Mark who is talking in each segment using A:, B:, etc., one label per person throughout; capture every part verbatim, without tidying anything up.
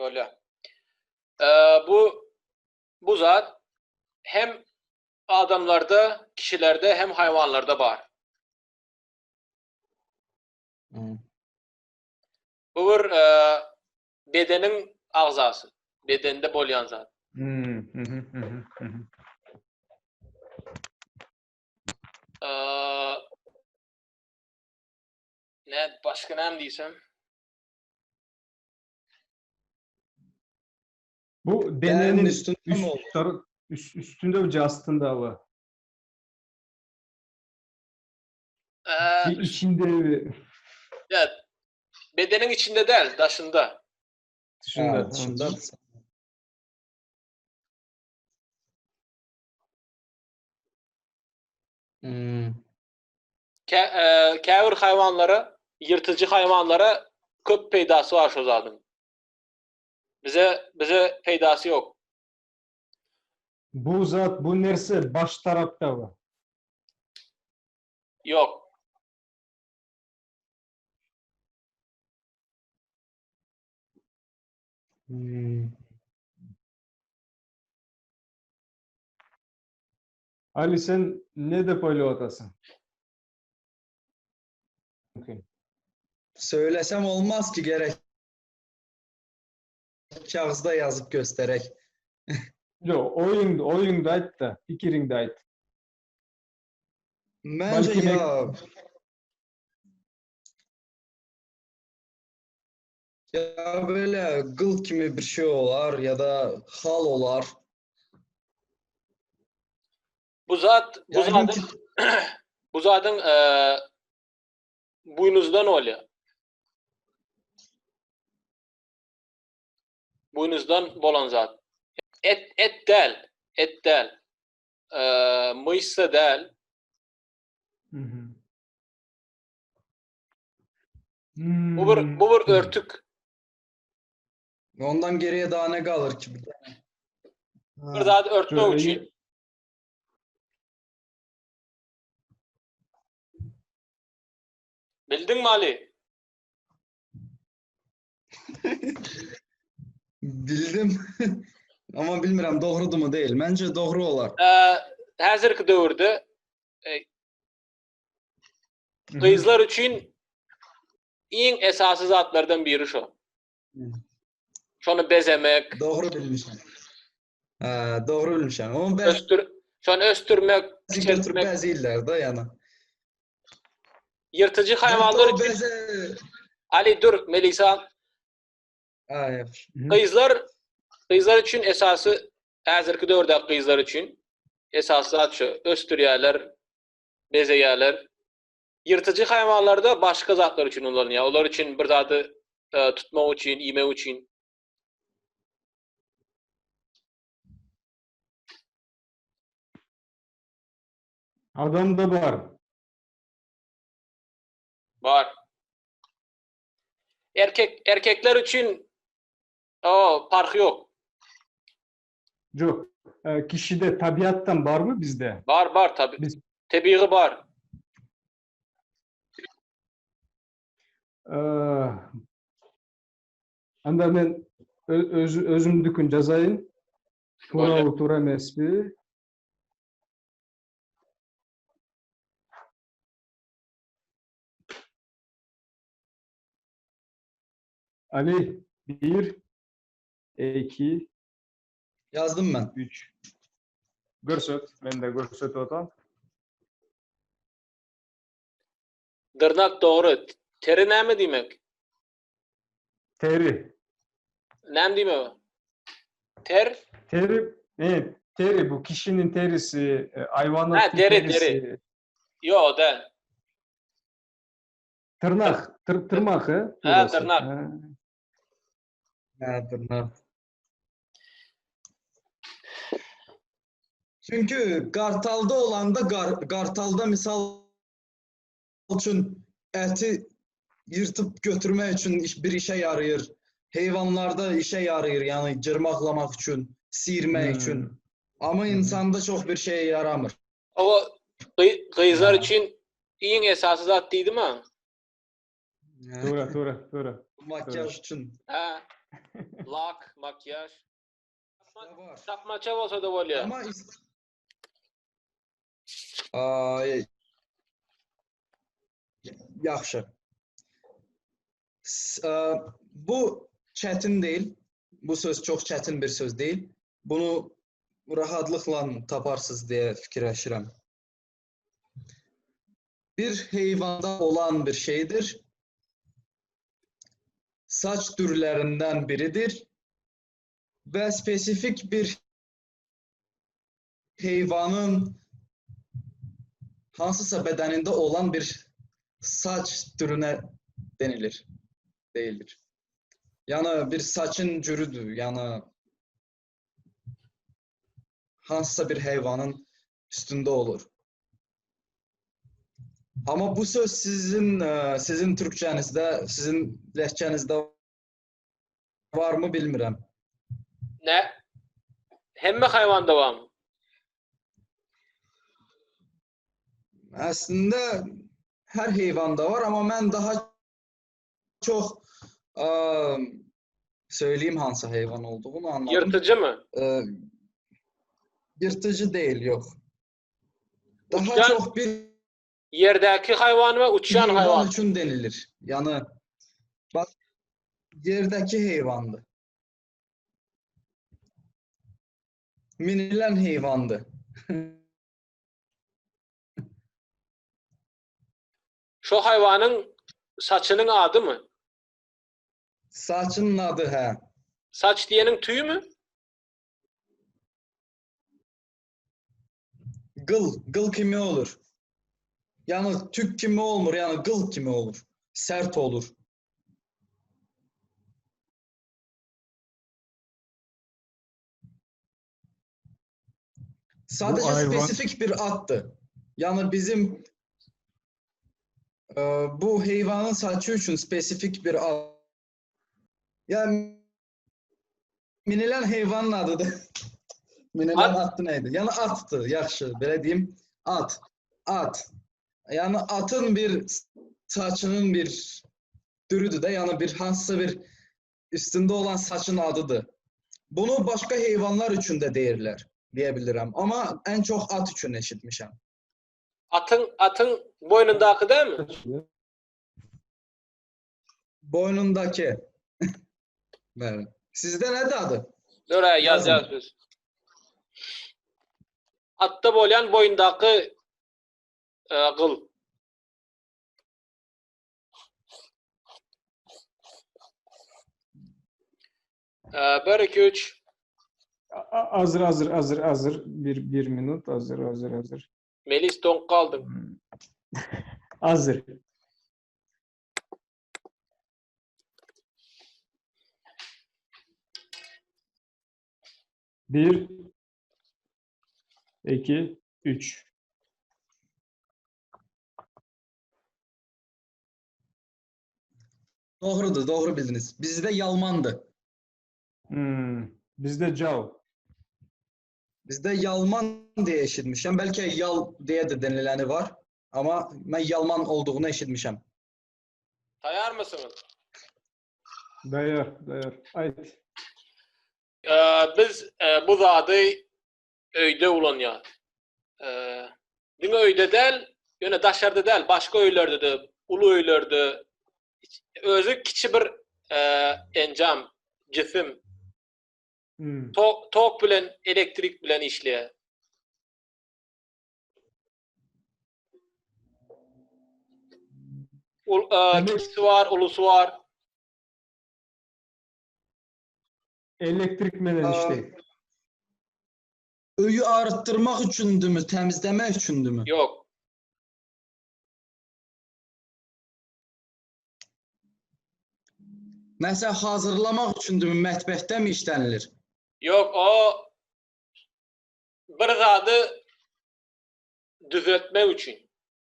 A: Öyle. Ee, bu bu zat hem adamlarda, kişilerde hem hayvanlarda var.
B: Hmm.
A: Bu bir e, bedenin ağzası. Bedende bolyan zat.
C: Hmm, hı hı, hı hı, hı hı.
A: Ee, ne başka ne diysem?
C: Bu
B: Derinin
C: denenin
B: üstünde mi
C: üst,
B: olur?
C: tarı, üst, üstünde mi astında mı?
A: Ee,
C: Bir içinde mi?
A: evet, bedenin içinde değil, dışında.
C: Dışında.
B: Ha,
C: Hı.
B: dışında. Hmm.
A: Ke, e, Käbir hayvanlara, yırtıcı hayvanlara köp peydası var şu zatın. Bize bize peydası yok.
C: Bu zat, bu nerse baş tarafta mı?
A: Yok.
B: Hmm.
C: Ali sen ne de böyle otasın? Okay.
B: Söylesem olmaz ki, gerek. Kağızda yazıp göstererek.
C: Yo, oyun, oyunda ait da, fikirinde ait.
B: Bence
C: Belki mek
B: ya ya böyle gıl kimi bir şey olar ya da hal olar.
A: Bu zat bu
B: Yəqin ki,
A: zatın bu zatın e, buynuzdan oluyor. Buynuzdan bolan zat. Et et değil. Et değil. E, mıysa değil.
C: Hı hı.
A: Bu bir bu bir
C: Hmm.
A: örtük.
B: ondan geriye daha ne kalır ki?
A: Bir
B: Ha.
A: zat örtmek
C: Şöyle
A: için. Bildin mi Ali?
B: Bildim. Ama bilmirəm doğrudur mu değil. Bence doğru olar.
A: E, hazırki dövrde e,
C: Hı hı.
A: kızlar için en esaslı zatlardan biri şu. Şonu bezemek,
B: Doğru bilmişim. Ha, doğru bilmişim. Ama bəzi
A: östür, şonu östürmek,
B: götürüp
A: küçeltmek,
B: bəzi illərdə yani.
A: yırtıcı
B: Hətta
A: hayvanlar
B: o
A: için.
B: bəzi...
A: Ali dur Melisa.
B: Ha, yaxşı.
C: Hı hı.
A: Kızlar kızlar için esası hazırki dövrde kızlar için esası zat şu. Östürüyorlar, bezeyorlar. Yırtıcı hayvanlarda başka zatlar için kullanılıyor. Onlar için bir zatı e, tutmak için, yemek için.
C: Adamda var.
A: Var. Erkek erkekler için o fark yok.
C: Yok. E, kişide tabiattan var mı bizde?
A: Var var tabi.
C: Biz
A: Tabii var.
C: e, anda ben ö- öz, özümdükün жазайын. Тура
A: Böyle.
C: tuра emes mi? Ali bir, iki,
B: Yazdım ben.
C: üç. Görsöt. Ben de görsöt otam.
A: Dırnak doğru. Teri ne mi demek?
C: Teri.
A: Ne mi demek? Ter.
C: Teri, evet, teri bu kişinin terisi, e,
A: Ha
C: hayvanatın
A: deri deri.
C: terisi,
A: Yok değil.
C: tırnak, tır, tırnak, he,
A: Ha
C: burası.
A: tırnak.
C: Ha.
B: Ha, tırnak. Çünkü Kartal'da olanda gar, Kartal'da misal için eti yırtıp götürmek için iş- bir işe yarayır. Hayvanlarda işe yarayır, yani cırmaklamak için, sıyırmak
C: Hmm.
B: için. Ama
C: Hı hı.
B: insanda çok bir şeye yaramır.
A: O kı- kızlar
B: Ha.
A: için en esası zat değil mi?
C: Doğru, doğru, doğru.
B: Makyaj için.
A: Ha. Lak, makyaj.
B: Da var.
A: Tapmaça olsa da bolýar.
B: Ama is- Ay, yaxşı. S- e, Bu çetin değil. Bu söz çok çetin bir söz değil. Bunu rahatlıkla taparsınız diye fikirləşirəm. Bir heyvanda olan bir şeydir. Saç türlerinden biridir. Ve spesifik bir heyvanın hansısa bedeninde olan bir saç türüne denilir. Değildir. Yani bir saçın cürüdür. Yani hansısa bir hayvanın üstünde olur. Ama bu söz sizin e, sizin Türkçenizde, sizin lehçenizde var mı bilmirəm.
A: Ne? Hemme hayvanda var mı?
B: Aslında her heyvanda var ama ben daha çok e, söyleyeyim hansı hayvan olduğunu anladım.
A: Yırtıcı mı?
B: E, yırtıcı değil, yok. Daha
A: Uçan-
B: çok bir
A: Yerdeki hayvan ve uçan
B: heyvan
A: hayvan.
B: için denilir. Yani bak, yerdeki heyvandı. Minilen heyvandı.
A: Şu hayvanın saçının adı mı?
B: Saçının adı he.
A: Saç diyenin tüyü mü?
B: Gıl, gıl kimi olur. Yani tük kimi olmur, yani gıl kimi olur. Sert olur. Sadece
C: hayvan-
B: spesifik bir addı. Yani bizim e, bu heyvanın saçı için spesifik bir ad. Yani minilen heyvanın adıdır. Minilen
A: At.
B: adı neydi? Yani attı, yaxşı, belə deyim. At. At. Yani atın bir saçının bir türüdür de, yani bir hansısa bir üstünde olan saçın adıdır. Bunu başka hayvanlar için de deyirlər, diyebilirim. Ama en çok at için eşitmişəm.
A: Atın atın boynundaki değil mi?
B: Boynundaki. Evet. Sizde nedir adı?
A: Oraya yaz
B: Yazın.
A: yaz biz. Atta bolyan boyundaki e, kıl. E, bir, iki, üç.
C: A- Hazır, hazır, hazır, hazır. Bir, bir minut. Hazır, hazır, hazır.
A: Melis donk kaldın.
C: Hmm. Hazır. Bir, iki, üç.
B: Doğrudur, doğru bildiniz. Bizde yalmandı.
C: Hmm. Bizde cav.
B: Bizde yalman diye eşitmişəm. Belki yal diye de denileni var. Ama ben yalman olduğunu eşitmişəm.
A: Tayar mısınız?
C: Dayar, dayar. Haydi.
A: E, biz e, bu zadı öyde ulan ya. E, değil mi öyde del? Yöne daşarda del. Başka öylerde de. Ulu öylerde. Özü kiçi bir e, encam, cisim.
C: Hmm.
A: Tok, tok bilen, elektrik bilen işleyen. Ul, e,
C: Demek-
A: kiçisi var, ulusu var.
C: Elektrik menen
B: Aa,
C: işte.
B: Öyü arıttırmak üçündü mü, temizlemek üçündü mü?
A: Yok.
B: Mesela hazırlamak üçündü mü, mətbəxdə mi işlənilir?
A: Yok, o bir zadı düzeltme için.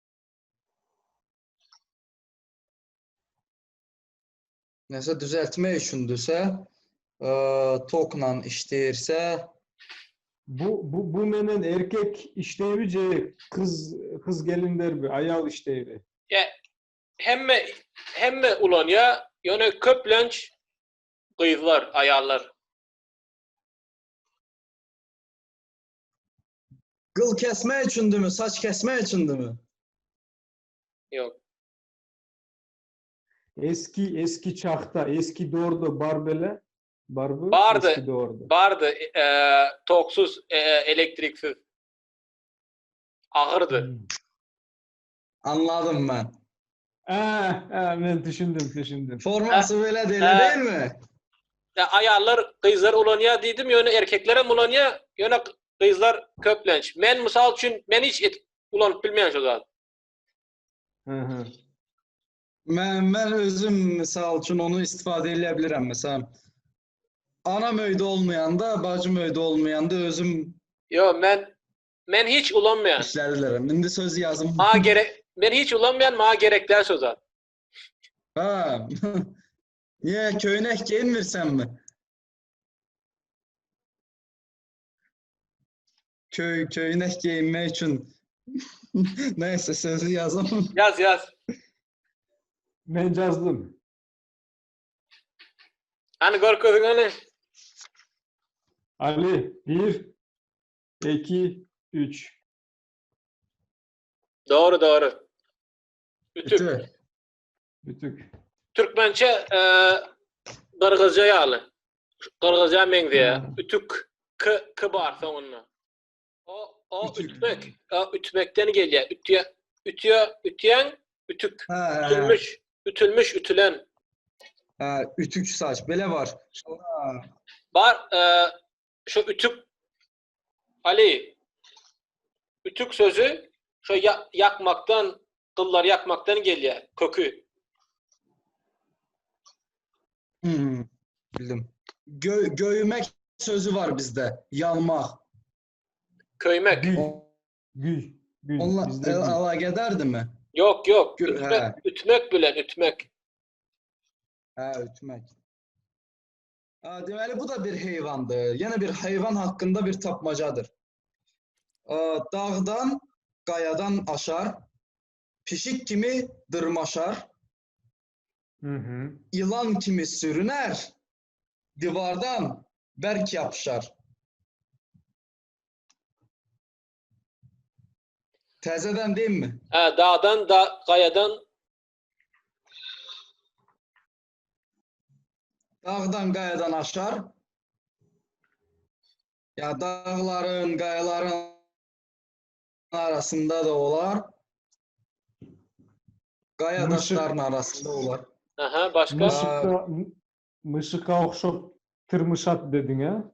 B: Nəsə düzəltmək üçündürsə, ə, tokla işləyirsə,
C: Bu, bu, bu menen erkek işleyici kız kız gelinler bir ayal işleyici.
A: Ya hemme hemme ulan ya, yani köplenç Kızlar, ayarlar.
B: Kıl kesme içindimi, saç kesme içindimi?
A: Yok.
C: Eski eski çağda, eski doğurdu barbele, barbı
A: Bardı.
C: eski doğurdu.
A: Bardı. E, toksuz, e, elektriksiz. Ağırdı.
C: Hmm.
B: Anladım ben.
C: Ah, ah, ben düşündüm, düşündüm.
B: Forması böyle deli
A: e,
B: değil mi?
A: Ya ayarlar kızlar ulanya dedim yönü erkeklere ulanya yönü kızlar köplenç. Men misal üçün men hiç et, ulanıp bilmeyen şu zat.
C: Hı hı.
B: Ben, ben özüm misal için onu istifade edebilirim. Mesela anam öyde olmayanda, bacım öyde olmayanda özüm
A: Yo men men hiç ulanmayan.
B: işledilerim. Şimdi söz yazım.
A: Ma gerek men hiç ulanmayan ma gerekler şu zat.
B: Ha. Niye köyüne giyinmirsen mi? Köy, köyüne giyinmek için. Neyse sözü yazım.
A: Yaz yaz.
C: Ben yazdım.
A: Hani gör közün hani.
C: Ali, bir, iki, üç.
A: Doğru doğru. Ütük.
B: Ütü.
C: Bütük.
A: Türkmençe e, Kırgızca yalı. Kırgızca men diye.
C: Ha.
A: Ütük k k bar sonuna. O o
B: Ütük.
A: ütmek. O ütmekten geliyor. Ütüye ütüye ütüyen ütük.
B: Ha, ha, ha.
A: Ütülmüş, ütülmüş, ütülen.
B: Ha, ütük saç. Böyle var. Ha.
A: Var e, şu ütük Ali ütük sözü şu ya- yakmaktan kıllar yakmaktan geliyor. Kökü.
B: Hmm, bildim. Gö göğümek sözü var bizde. Yalmak.
A: Köymek.
C: Gül,
B: O-
C: gül, gül.
B: Onunla
C: Bizde
B: el
C: gül.
B: ala giderdi mi?
A: Yok yok.
B: Gö-
A: Ütmek,
B: he.
A: ütmek bilen ütmek.
B: Ha, ütmek. Ha, deməli bu da bir heyvandır. Yine bir hayvan hakkında bir tapmacadır. Aa, dağdan, qayadan aşar, pişik kimi dırmaşar,
C: Hı hı.
B: yılan kimi sürüner, divardan berk yapışar. Təzədən değil mi?
A: Ha, dağdan da kayadan
B: Dağdan, qayadan aşar. Ya dağların, qayaların arasında da olar. Qaya
C: Mışık.
B: daşların arasında olar.
A: aha başka
B: Mış-
C: Mışıkka, mışıkka okşop tırmışat dedin ha?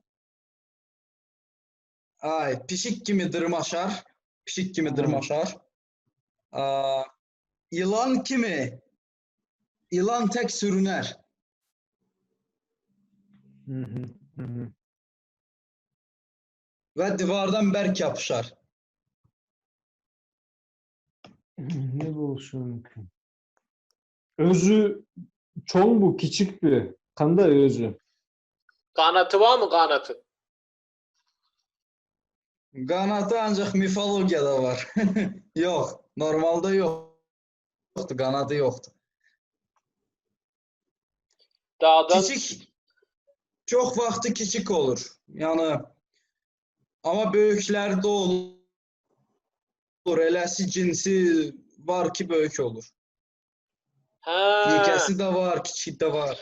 B: Ay, pişik kimi dırmaşar. Pişik kimi
C: Ha.
B: dırmaşar. Aa, yılan kimi? Yılan tek sürüner.
C: Hı hı. Hı hı.
B: Ve divardan berk yapışar.
C: Ne bolsun ki? Özü çoğun bu, küçük bir. Kanda özü.
A: kanatı var mı kanatı?
B: Qanatı ancaq mifologiyada var. Yox, normalda yoxdur, qanadı yoxdur.
A: Dağdan
B: Kiçik, çox vaxtı kiçik olur. Yəni, amma böyüklərdə olur. Eləsi cinsi var ki, böyük olur.
A: ha
B: Yekəsi də var, kiçik də var.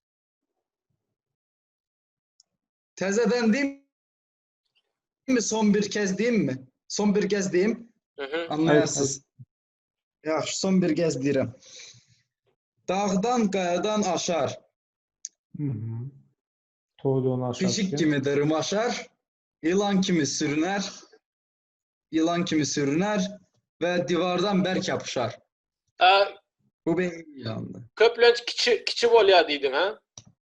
B: Təzədən deyim mi? Son bir kez deyim mi? Son bir kez deyim,
A: hı hı.
B: anlayasınız. Yaxşı, son bir kez deyirəm. Dağdan, qayadan aşar.
C: Hı hı. Toğduğunu aşarken.
B: Pişik kimi dırmaşar, yılan kimi sürüner, yılan kimi sürüner ve divardan berk yapışar.
A: Ha,
B: Bu benim ilandı.
A: köplenç kiçi kiçi volya deydin ha?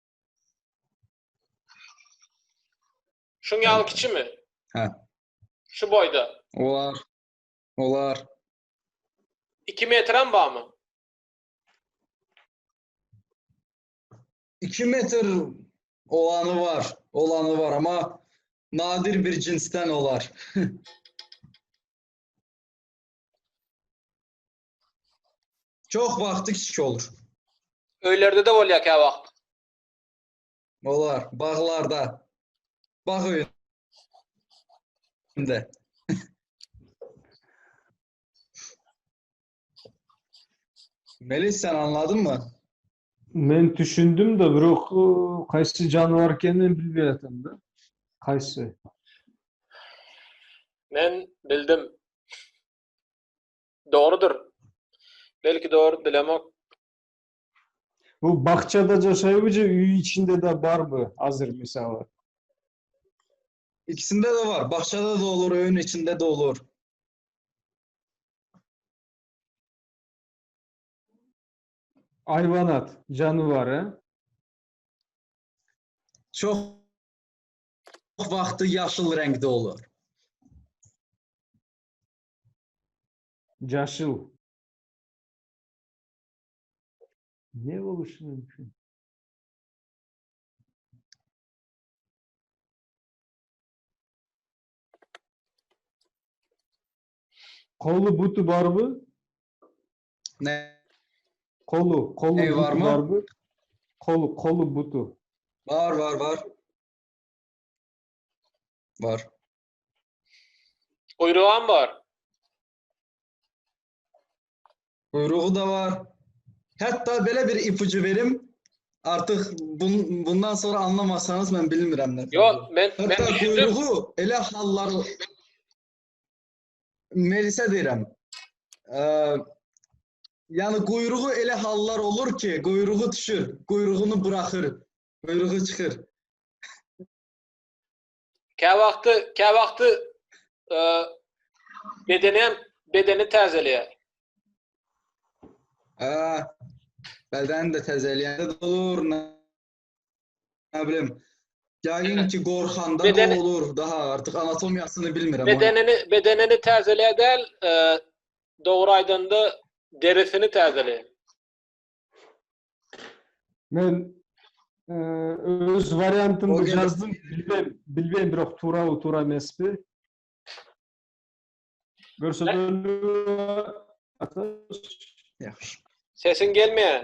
A: Şun yağı kiçi mi?
B: Ha,
A: Şu boyda.
B: olar, olar.
A: iki metren var mı?
B: iki metre olanı var, olanı var ama nadir bir cinsten olar. Çok vaxtı kiçik olur.
A: Öylerde de volya ki ha vakt.
B: Olar. Bağlarda. Bağ önünde. Melis sen anladın mı?
C: Men düşündüm de biroq ıı, qaysi janivar ekenini bilmeýatam da. Qaysi?
A: Men bildim. Doğrudur. Belki doğru bilemok.
C: Bu bakçada yaşayıbıca üy içinde de var mı hazır misal?
B: İkisinde de var. Bahçede de olur, öğün içinde de olur.
C: Hayvanat, janivar ha?
B: Çok vaxtı yaşıl renkte olur.
C: Yaşıl. Ne oluşu mümkün? Kolu butu var mı?
B: Ne?
C: Kolu, kolu
B: Ne
C: butu
B: var mı?
C: var mı? Kolu, kolu butu.
B: Var var var. Var.
A: Kuyruğum var.
B: Kuyruğu da var. Hatta böyle bir ipucu verim. Artık bun, bundan sonra anlamasanız ben bilmirəm ne.
A: Yok, ben, ben
B: Hatta
A: düşündüm.
B: kuyruğu ele hallar Melis'e deyirəm. Ee, yani kuyruğu ele hallar olur ki kuyruğu düşür. Kuyruğunu bırakır. Kuyruğu çıkır.
A: Ke vakti, ke vakti e, bedenim, bedeni tazeliyor.
B: Ee, belden de təzəliyəndə de olur. Ne, ne bileyim. Yəqin ki qorxanda
A: Bedeni-
B: da olur. Daha artık anatomiyasını bilmirəm.
A: Bedenini, bedenini tazeliyor değil, e, doğru aydındı derisini tazeliyor.
C: Ben e, öz variantımda
B: O gene-
C: yazdım. Bilmem, bilmem biroq tura u tura emasmi. Görsetölü
B: Yaxşı.
A: Sesin gelmiyor.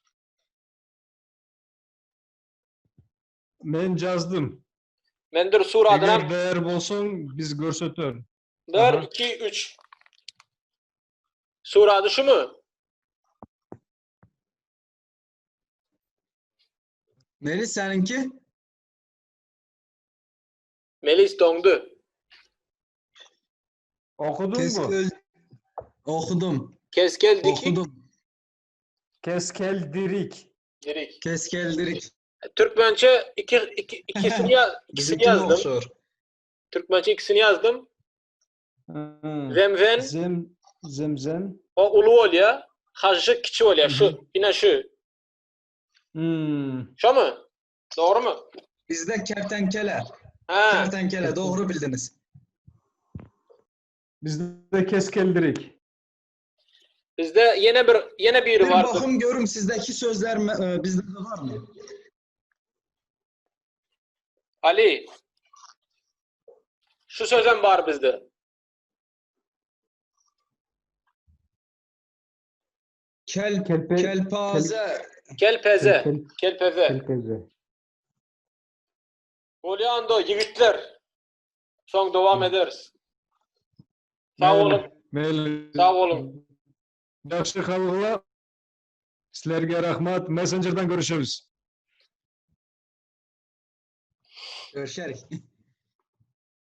C: men yazdım.
A: Ben dur sur adına
C: Eğer değer bolsoň biz görsetör.
A: dur
C: Aha.
A: iki üç. Sur adı şu mu?
B: Melis seninki?
A: Melis dondu.
C: Okudun mu?
B: Keskel. Okudum.
A: Keskel dikik.
B: Okudum.
C: Keskel dirik.
A: Dirik.
B: Keskeldirik.
A: Türkmençe iki, iki, ikisini, ya, ikisini
B: Bizimkine
A: yazdım.
B: okşor.
A: Türkmençe ikisini yazdım.
C: Hı.
A: Zemven,
C: Zem, zemzem.
A: o ulu oluyor. Hacı kiçi oluyor.
C: Hı hı.
A: Şu, yine şu.
C: Hmm.
A: Şu mu? Doğru mu?
B: Bizde kertenkele.
A: Ha.
B: Kertenkele. Doğru bildiniz.
C: Bizde keskel dirik.
A: Bizde yine bir yine biri
B: Bir
A: var.
B: bakım görüm sizdeki sözler e, bizde de var mı?
A: Ali. Şu sözüm var bizde.
B: Kel,
C: Kelpe,
B: kelpaze.
A: Kelpeze.
C: Kel-
A: Kelpeze.
C: kelpeze.
A: Olyando yigitler. Son devam ederiz. Sağ
C: Mayli,
A: olun.
C: mayli.
A: Sağ olun.
C: Yaxşı xalqlar. Sizlerge rahmat. Messenger'dan görüşürüz.
B: Görüşerik.